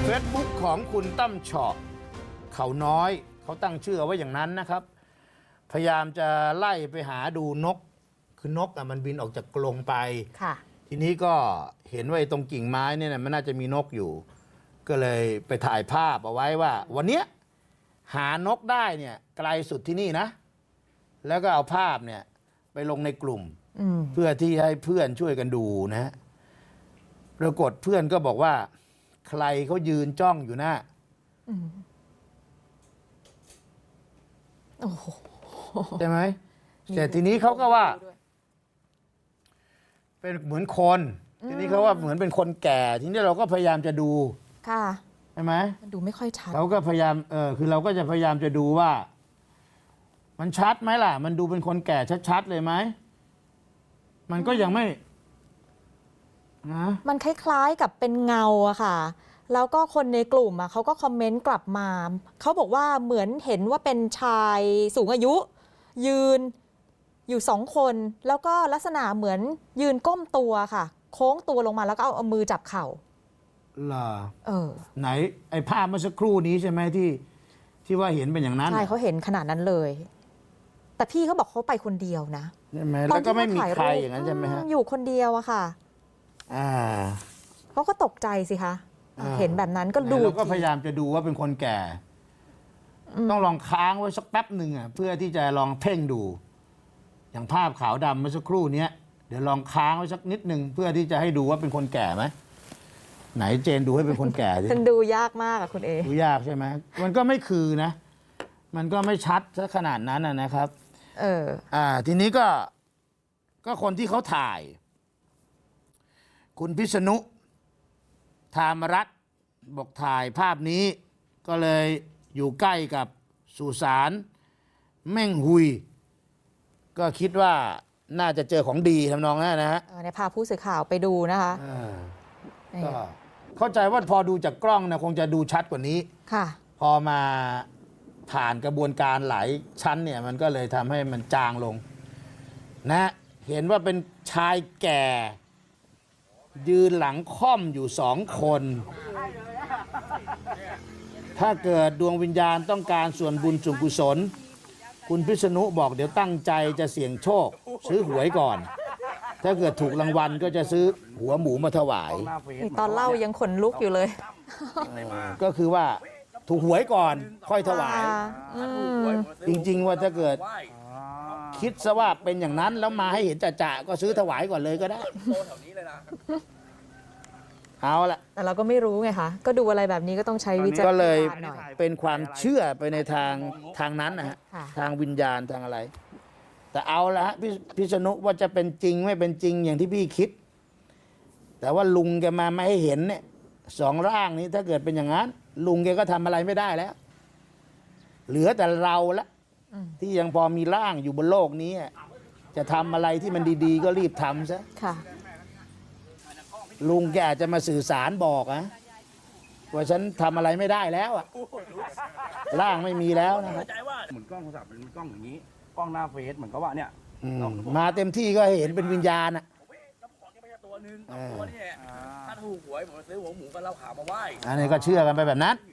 Facebook ของคุณตั้มเฉาะเขาน้อยเขาตั้งชื่อไว้อย่างนั้นนะครับพยายามจะไล่ไปหาดูนกคือนกมันบินออกจากกรงไปทีนี้ก็เห็นว่าตรงกิ่งไม้เนี่ยมันน่าจะมีนกอยู่ก็เลยไปถ่ายภาพเอาไว้ว่าวันนี้หานกได้เนี่ยไกลสุดที่นี่นะแล้วก็เอาภาพเนี่ยไปลงในกลุ่มเพื่อที่ให้เพื่อนช่วยกันดูนะปรากฏเพื่อนก็บอกว่าใครเขายืนจ้องอยู่นะใช่ไหมแต่ทีนี้เขาก็ว่าเป็นเหมือนคนทีนี้เขาว่าเหมือนเป็นคนแก่ทีนี้เราก็พยายามจะดูค่ะใช่ไหมมันดูไม่ค่อยชัดเราก็พยายามคือเราก็จะพยายามจะดูว่ามันชัดไหมล่ะมันดูเป็นคนแก่ชัดๆเลยไหมมันก็ยังไม่นะมันคล้ายๆกับเป็นเงาอะค่ะแล้วก็คนในกลุ่มเขาก็คอมเมนต์กลับมาเขาบอกว่าเหมือนเห็นว่าเป็นชายสูงอายุยืนอยู่2 คนแล้วก็ลักษณะเหมือนยืนก้มตัวค่ะโค้งตัวลงมาแล้วก็เอามือจับเข่าล่ะไหนไอ้ภาพเมื่อสักครู่นี้ใช่ไหมที่ว่าเห็นเป็นอย่างนั้นใช่เขาเห็นขนาดนั้นเลยแต่พี่เขาบอกเขาไปคนเดียวนะใช่ไหมแล้วก็ไม่มีใครอย่างนั้นใช่ไหมฮะอยู่คนเดียวอะค่ะเขาก็ตกใจสิคะเห็นแบบนั้นก็ดูเราก็พยายามจะดูว่าเป็นคนแก่ต้องลองค้างไว้สักแป๊บหนึ่งเพื่อที่จะลองเพ่งดูอย่างภาพขาวดำเมื่อสักครู่นี้เดี๋ยวลองค้างไว้สักนิดหนึ่งเพื่อที่จะให้ดูว่าเป็นคนแก่ไหมไหนเจนดูให้เป็นคนแก่ดิมันดูยากมากคุณเอดูยากใช่ไหมมันก็ไม่คือนะมันก็ไม่ชัดซะขนาดนั้นนะครับทีนี้ก็คนที่เขาถ่ายคุณพิษณุธามรัตน์บอกถ่ายภาพนี้ก็เลยอยู่ใกล้กับสุสานแม่งหุยก็คิดว่าน่าจะเจอของดีทำนองนั้นนะฮะในพาผู้สื่อข่าวไปดูนะคะก็เข้าใจว่าพอดูจากกล้องนะคงจะดูชัดกว่านี้ค่ะพอมาผ่านกระบวนการหลายชั้นเนี่ยมันก็เลยทำให้มันจางลงนะเห็นว่าเป็นชายแก่ยืนหลังค่อมอยู่2 คนถ้าเกิดดวงวิญญาณต้องการส่วนบุญส่วนกุศลคุณพิษณุบอกเดี๋ยวตั้งใจจะเสี่ยงโชคซื้อหวยก่อนถ้าเกิดถูกรางวัลก็จะซื้อหัวหมูมาถวายตอนเล่ายังขนลุกอยู่เลยก็คือว่าถูกหวยก่อนค่อยถวายจริงๆว่าถ้าเกิดคิดซะว่าเป็นอย่างนั้นแล้วมาให้เห็นจ่าๆก็ซื้อถวายก่อนเลยก็ได้เอาละแต่เราก็ไม่รู้ไงคะก็ดูอะไรแบบนี้ก็ต้องใช้วิจารณญาณหน่อยก็เลยเป็นความเชื่อไปในทางนั้นนะฮะทางวิญญาณทางอะไรแต่เอาละฮะพิษณุว่าจะเป็นจริงไม่เป็นจริงอย่างที่พี่คิดแต่ว่าลุงแกมาไม่ให้เห็นเนี่ย2 ร่างนี้ถ้าเกิดเป็นอย่างนั้นลุงแกก็ทำอะไรไม่ได้แล้วเหลือแต่เราละที่ยังพอมีร่างอยู่บนโลกนี้จะทำอะไรที่มันดีๆก็รีบทำซะลุงแกอาจจะมาสื่อสารบอกนะว่าฉันทำอะไรไม่ได้แล้วร่างไม่มีแล้วนะครับเหมือนกล้องโทรศัพท์เป็นกล้องอย่างนี้กล้องหน้าเฟซเหมือนกับว่าเนี่ยมาเต็มที่ก็เห็นเป็นวิญญาณตัวนึงตัวนี้ถ้าถูกหวยผมซื้อหัวหมูกับเหล้าขาวมาไหว้อันนี้ก็เชื่อกันไปแบบนั้น